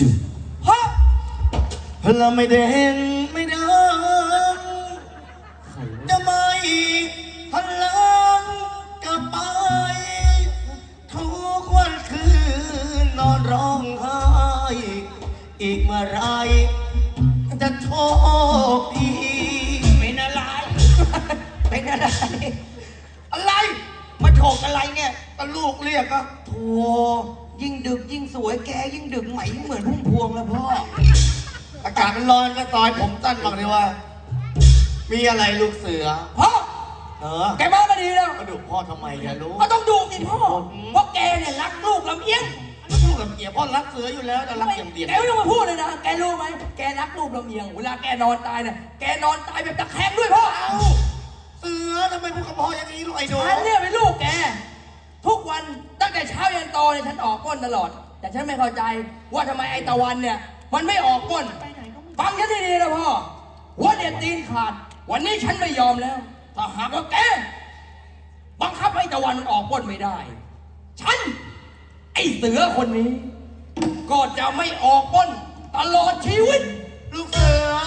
ชื่อฮะเราไม่เด่นไม่ดังจะไม่พลังจะไปทุกวันคืนนอนร้องไห้อีกเมื่อไรจะโชคดีเป็นอะไรเป็นอะไรอะไรมาโฉกอะไรเนี่ยก็ลูกเรียกก็โธ่ยิ่งดึกยิ่งสวยแกยิ่งดึกไหมยิ่งเหมือนพุ่มพวงแล้วพ่ออากาศมันร้อนก็ซอยผมสั้นบอกเลยว่ามีอะไรลูกเสือพ่อแกมาก็ดีแล้วมาดุพ่อทำไมเนี่ยลูกก็ต้องดูสิพ่อเพราะแกเนี่ยรักลูกลำเอียงลูกลำเอียงพ่อรักเสืออยู่แล้วแต่รักอย่างเดียวแกไม่ต้องมาพูดเลยนะแกรู้ไหมแกรักลูกลำเอียงเวลาแกนอนตายเนี่ยแกนอนตายแบบตะแคงด้วยพ่อเอาเสือทำไมพูดกับพ่ออย่างนี้ลูกไอ้โดฉันเนี่ยเป็นลูกแกทุกวันตั้งแต่เช้ายันโตเนี่ยฉันออกก้นตลอดแต่ฉันไม่เข้าใจว่าทำไมไอ้ตะวันเนี่ยมันไม่ออกก้นฟังฉันดีๆนะพ่อหัวเด็ดตีนขาดวันนี้ฉันไม่ยอมแล้วถ้าหากว่าแกบังคับให้ตะวันมันออกก้นไม่ได้ฉันไอ้เสือคนนี้ก็จะไม่ออกก้นตลอดชีวิตลูกเสือ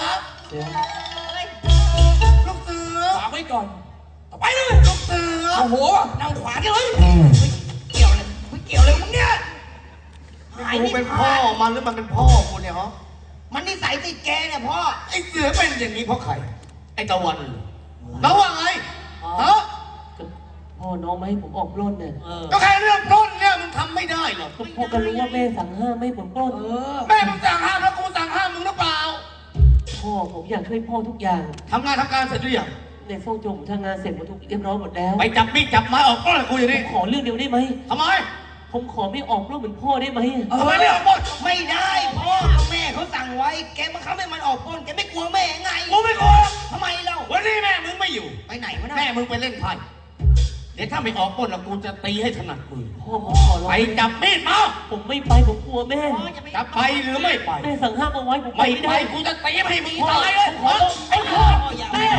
ลูกเสือฝากไว้ก่อนต่อไปเลยลูกเสือโอ้โหนั่งขวางกันเลยเกี่ยวเลยไม่เกี่ยวเลยมึงเนี่ยกูเป็นพ่อมันหรือมันเป็นพ่อกูเนี่ยฮะมันนิสัยติดแกเนี่ยพ่อไอ้เสือเป็นอย่างนี้เพราะใครไอ้ตะวันแล้วว่าไงฮะพ่อน้องไม่ให้ผมออกปล้นเนี่ยก็แค่เรื่องปล้นเนี่ยมึงทำไม่ได้หรอกก็พ่อก็รู้ว่าแม่สั่งห้ามไม่ให้ผมปล้นแม่มึงสั่งห้ามแล้วกูสั่งห้ามมึงหรือเปล่าพ่อผมอยากช่วยพ่อทุกอย่างทำงานทำการเสร็จหรือยังในซ่องโจมทำงานเสร็จหมดทุกเรียบร้อยหมดแล้วไปจับมีดจับไม้ออกปล้นกูอย่างนี้ขอเรื่องเดียวได้ไหมทำไมผมขอไม่ออกปล้นเหมือนพ่อได้ไหมทำไมไม่ออกปล้นไม่ได้พ่อแม่เขาสั่งไว้แกบังคับให้มันออกปล้นแกไม่กลัวแม่ไงกูไม่กลัวทำไมเล่าวันนี้แม่มึงไม่อยู่ไปไหนวะแม่มึงไปเล่นไพ่เดี๋ยวถ้าไม่ออกปล้นแล้วกูจะตีให้ถนัดมือพ่อผมขอร้องไปจับมีดมาผมไม่ไปผมกลัวแม่จะไปหรือไม่ไปแม่สั่งห้ามเอาไว้ผมไม่ไปกูจะตีให้มึงตายเลยไอ้พ่อแม่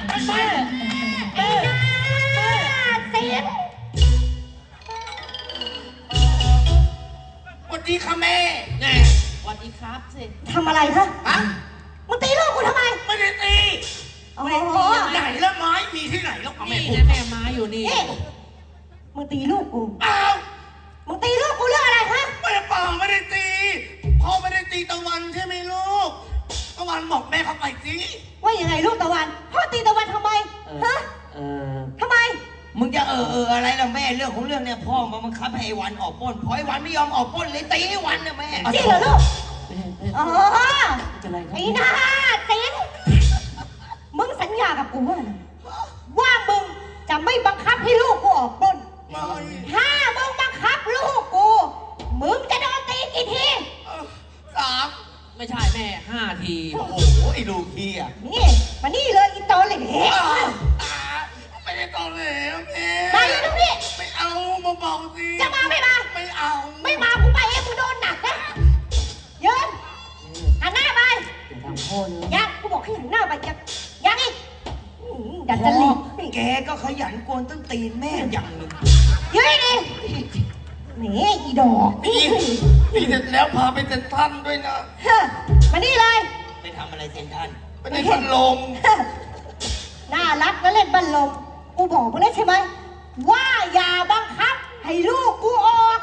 เสียงสวัสดีค่ะแม่ไงสวัสดีครับสิทำอะไรคะมึงตีลูกกูทำไมไม่ได้ตีไหนแล้วไม้มีที่ไหนแล้วแม่พูดแม่ไม้อยู่นี่มึงตีลูกกูอ้าวมึงตีลูกกูเรื่องอะไรคะไม่ได้ป่าไม่ได้ตีพ่อไม่ได้ตีตะวันใช่ไหมลูกตะวันบอกแม่เขาไปสิว่ายังไงลูกตะวันพ่อตีตะวันทำไมฮะทำไมมึงจะอะไรล่ะแม่เรื่องของเรื่องเนี่ยพ่อมาบังคับให้ไอ้วันออกปล้นพอไอ้วันไม่ยอมออกปล้นเลยตีไอ้วันนะแม่จริงเหรอลูกอ๋อไอ้หน้าสิงมึงสัญญากับกูว่ามึงจะไม่บังคับให้ลูกกูออกปล้นถ้ามึงบังคับลูกกูมึงจะโดนตีกี่ที 3 ไม่ใช่แม่5 ทีโอ้โหไอ้ลูกพี่อ่ะนี่มานี่เลยอีโตเลยเฮ้ไม่ได้ตอนแล้วแม่มาอยู่ตรงนี้ไม่เอามาบอกสิจะมาไม่มาไม่เอาไม่มากูไปเองกูโดนหนักนะยืนหันหน้าไปยังกูบอกให้หันหน้าไปยังอีกดัดจริตแกก็ขยันกวนต้นตีนแม่อย่างหนึ่งยืนดินี่อีดอกนี่เสร็จแล้วพาไปเซ็นทรัลด้วยนะมานี่เลยไปทำอะไรเซ็นทรัลไปเล่นบัลลมน่ารักแล้วเล่นบัลลมกูบอกมึงแล้วใช่ไหมว่าอย่าบังคับให้ลูกกูออก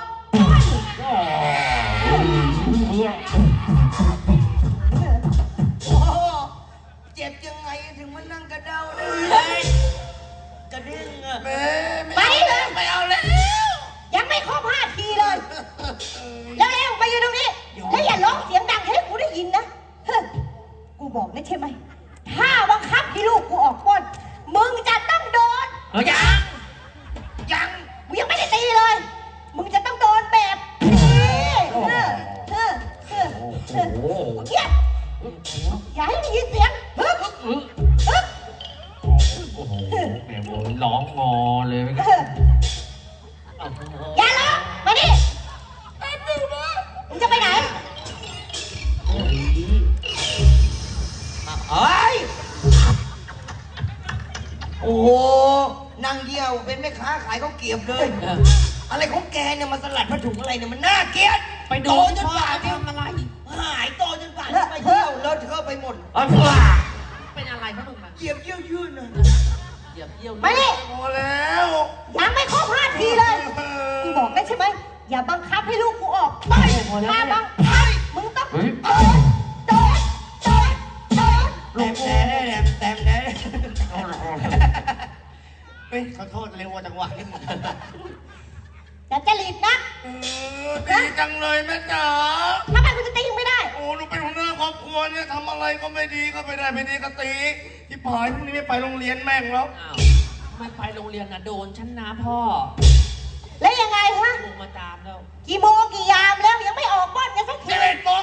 เจ็บยังไงถึงมานั่งกระเด้าได้กระเด้งอะไปเลยไม่เอาแล้วยังไม่ครบ5 ทีเลยแล้วไปอยู่ตรงนี้แล้วอย่าร้องเสียงดังให้กูได้ยินนะกูบอกแล้วใช่ไหมถ้าบังคับให้ลูกกูออกปล้นมึงจะต้องโดนยังกูยังไม่ได้ตีเลยมึงจะต้องโดนแบบเกียดอย่าให้ได้ยินเสียงโอ้โหแม่ผมร้องงอเลยอย่าร้องมาดิมึงจะไปไหนโอ้โหนางเยี่ยวเป็นแม่ค้าขายข้าวเกรี๊ยวเลยอะไรของแกเนี่ยมาสลัดผ้าถุงอะไรเนี่ยมันน่าเกลียดไปโดนจนปากทำอะไรเอาเถอะเป็นอะไรครับมึงนะเหยียบเยี่ยวยืนนะเหยียบเยี่ยวมาดิพอแล้วยังไม่ครบ5 ทีเลยกูบอกได้ใช่ไหมอย่าบังคับให้ลูกกูออกไปถ้าบังคับมึงต้องโดนโดนโดนโดนแต่เฮ้ยขอโทษเร็วกว่าจังหวะนิดนึงอย่าจะรีบนะดีจังเลยแม่จ๋าทำไมกูจะตีมึงไม่ได้โอ้หนูเป็นหัวหน้าครอบครัวเนี่ยทำอะไรก็ไม่ดีก็ไม่ได้ไม่ดีก็ตีที่ผายพรุ่งนี้ไม่ไปโรงเรียนแม่งแล้วอ้าวไม่ไปโรงเรียนนะโดนฉันนะพ่อแล้วยังไงฮะลงมาตามแล้วกี่โมงกี่ยามแล้วยังไม่ออกบ้านกันสักที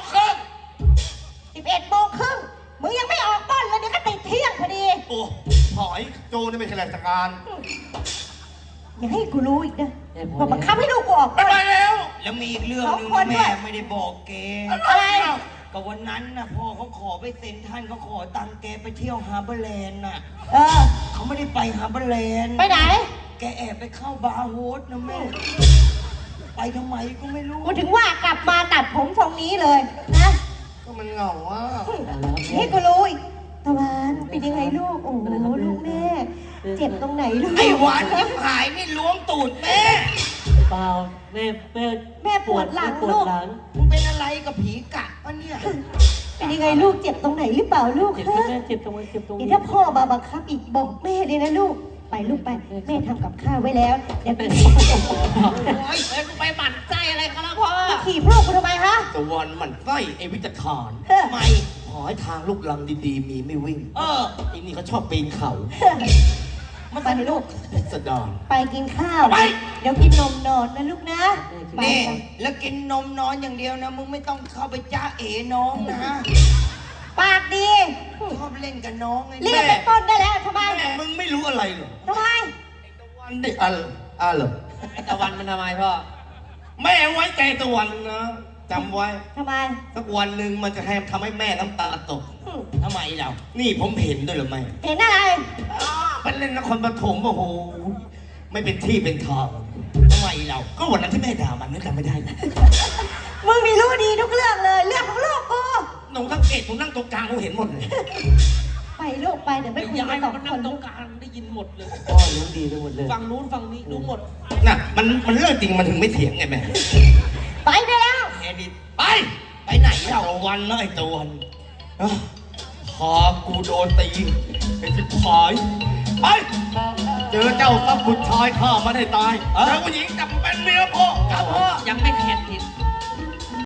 11 โมงครึ่งมึงยังไม่ออกบ้านเลยเดี๋ยวก็ติดเที่ยงพอดีโอ้ผายโจนี่ไม่ใช่ราชการอย่าให้กูรู้อีกนะว่าบังคับให้ลูกกูออกไม่บ้านไปแล้วแล้วมีอีกเรื่องหนึงสองคนด้แม่วยไม่ได้บอกแกอะไรก็วันนั้นนะพ่อเขาขอไปเซ็นท่านเขาขอตังค์แกไปเที่ยวฮาร์เบอร์แลนด์น่ะเออเขาไม่ได้ไปฮาร์เบอร์แลนด์ไปไหนแกแอบไปเข้าบาร์โฮสนะแม่ ไปทำไมก็ไม่รู้กูถึงว่ากลับมาตัดผมทรงนี้เลยนะก็มันเหงาอ่ะให้กูรู้อีกตะวันเป็นยังไงลูก โอ้โหลูกแม่ เจ็บตรงไหนลูกไอ้หวานยิ้มหายนี่ล้วงตูดแม่เปล่าแม่แม่แม่ปวดหลังปวดลูกหลังมึงเป็นอะไรกับผีกะปะเนี่ยเป็นยังไงลูกเจ็บตรงไหนหรือเปล่าลูกเจ็บฮะแม่เจ็บตรงไหนเจ็บตรงเดี๋ยวนี้ถ้าพ่อมาบังคับอีกบอกแม่เลยนะลูก ไปลูกไป แม่ทำกับข้าวไว้แล้วเดี๋ยวไปโอ้ยไปหมั่นไส้อะไรกันแล้วพ่อขี่พ่อกูทำไมฮะตะวันมันไส้ไอ้วิจารเฮ้อไม่ขอให้ทางลูกลังดีๆ มีไม่วิ่ง ไอ้นี่เขาชอบปีนเขามันไปลูกสะดอนไปกินข้าว เดี๋ยวกินนมนอนนะลูกนะ ไปนี่กันแล้วกินนมนอนอย่างเดียวนะ มึงไม่ต้องเข้าไปจ้าเอ๋น้องนะปากดีชอบเล่นกับน้องไงเรียกเป็นต้นได้แล้วทำไมแม่มึงไม่รู้อะไรเหรอทำไมวันนี้เหรอไอ้ตะวันมันทำไมพ่อแม่ไว้ใจตะวันนะจำไว้ทำไมสักวันหนึ่งมันจะทำให้แม่น้ำตาตกทำไมเรานี่ผมเห็นด้วยเหรือไม่เห็นอะไรมันเล่นนครปฐมโอ้โห ไม่เป็นที่เป็นทางทำไมเราก็วันนั้นที่แม่ด่ามันนึกจำไม่ได้นะมึงมีรู้ดีทุกเรื่องเลย เรื่องของลูกกูหนูสังเกตหนูนั่งตรงกลางหนูเห็นหมดเลยไปลูกไปเดี๋ยวไม่คุยยากัยนสองมันคนั่งนตรลูงกกลางได้ยินหมดเลยพ่อรู้ดีไปหมดเลยฝั่งนู้นฝั่งนี้รู้หมดน่ะมันเรื่องจริงมันถึงไม่เถียงไงแม่ไปได้แล้วแอดิตไปไปไหนไอ้เราตะวันนะไอ้ตะวันอ่ะพากูโดนตีไอ้ที่ผายไปเจอเจ้าทรัพย์บุตรชายข้ามันให้ตายเจอผู้หญิงจับเป็นเมียพ่อพ่อยังไม่เข็ดอีก